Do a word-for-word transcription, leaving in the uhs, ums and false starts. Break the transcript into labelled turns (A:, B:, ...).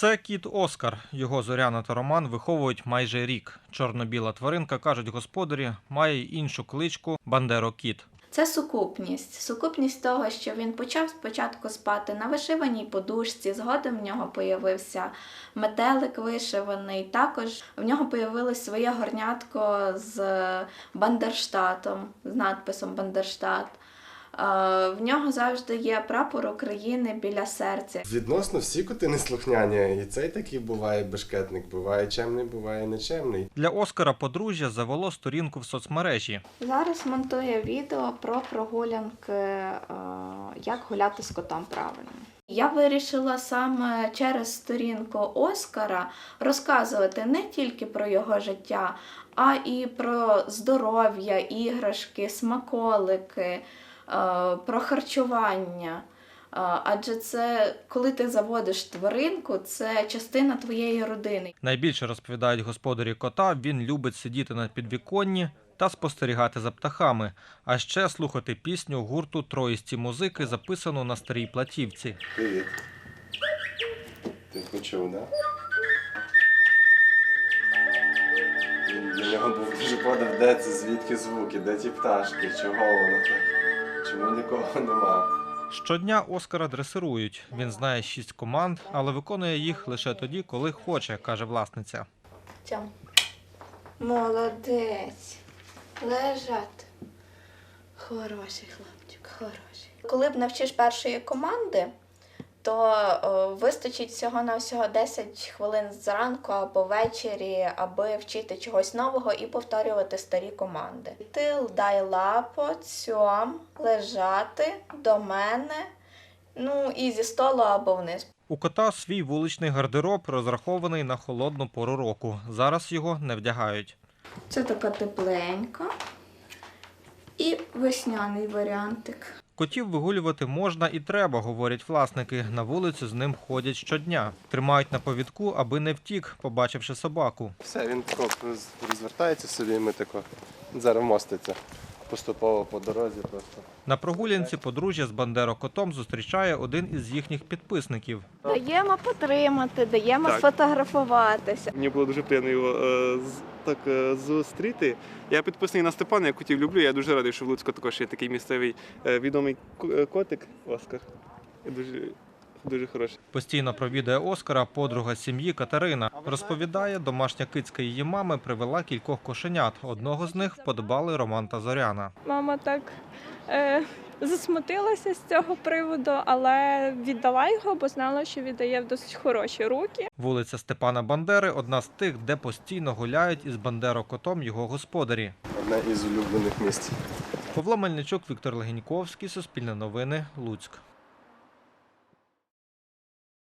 A: Це кіт Оскар. Його Зоряна та Роман виховують майже рік. Чорно-біла тваринка, кажуть господарі, має й іншу кличку – Бандеро-кіт.
B: Це сукупність. Сукупність того, що він почав спочатку спати на вишиваній подушці, згодом в нього появився метелик вишиваний, також в нього появилось своє горнятко з Бандерштатом, з надписом «Бандерштат». В нього завжди є прапор України біля серця.
C: Відносно всі коти неслухняні. І цей такий буває бешкетник, буває чемний, буває нечемний.
A: Для Оскара подружжя завело сторінку в соцмережі.
B: Зараз монтує відео про прогулянки, як гуляти з котом правильно. Я вирішила саме через сторінку Оскара розказувати не тільки про його життя, а і про здоров'я, іграшки, смаколики, про харчування. Адже це, коли ти заводиш тваринку, це частина твоєї родини.
A: Найбільше, розповідають господарі кота, він любить сидіти на підвіконні та спостерігати за птахами, а ще слухати пісню гурту «Троїсті музики», записану на старій платівці.
C: Привіт. Ти почув, так? Для нього був дуже подив, де це, звідки звуки, де ті пташки, чого воно так, чому нікого нема.
A: Щодня Оскара дресирують. Він знає шість команд, але виконує їх лише тоді, коли хоче, каже власниця.
B: Тьом. Молодець. Лежати. Хороший хлопчик, хороший. Коли б навчиш першої команди, то о, вистачить всього-навсього десять хвилин зранку або ввечері, аби вчити чогось нового і повторювати старі команди. Тил, дай лапо, цьом, лежати, до мене, ну і зі столу або вниз.
A: У кота свій вуличний гардероб, розрахований на холодну пору року. Зараз його не вдягають.
B: Це така тепленька і весняний варіантик.
A: Котів вигулювати можна і треба, говорять власники. На вулицю з ним ходять щодня. Тримають на повідку, аби не втік, побачивши собаку.
C: Все, він тако розвертається собі і ми тако зараз моститься. Поступово по дорозі просто.
A: На прогулянці подружжя з Бандеро-котом зустрічає один із їхніх підписників.
B: Даємо потримати, даємо
D: Так.
B: сфотографуватися.
D: Мені було дуже приємно його е, з- так е, зустріти. Я підписаний на Степана, я котів люблю. Я дуже радий, що в Луцьку також є такий місцевий е, відомий ко- е, котик Оскар. Я дуже, дуже хороший.
A: Постійно провідує Оскара подруга сім'ї Катерина. Розповідає, домашня кицька її мами привела кількох кошенят. Одного з них вподобали Роман та Зоряна.
E: Мама так е, засмутилася з цього приводу, але віддала його, бо знала, що віддає в досить хороші руки.
A: Вулиця Степана Бандери – одна з тих, де постійно гуляють із Бандеро-котом його господарі.
C: Одне із улюблених місць.
A: Павло Мельничук, Віктор Легеньковський, Суспільне новини, Луцьк.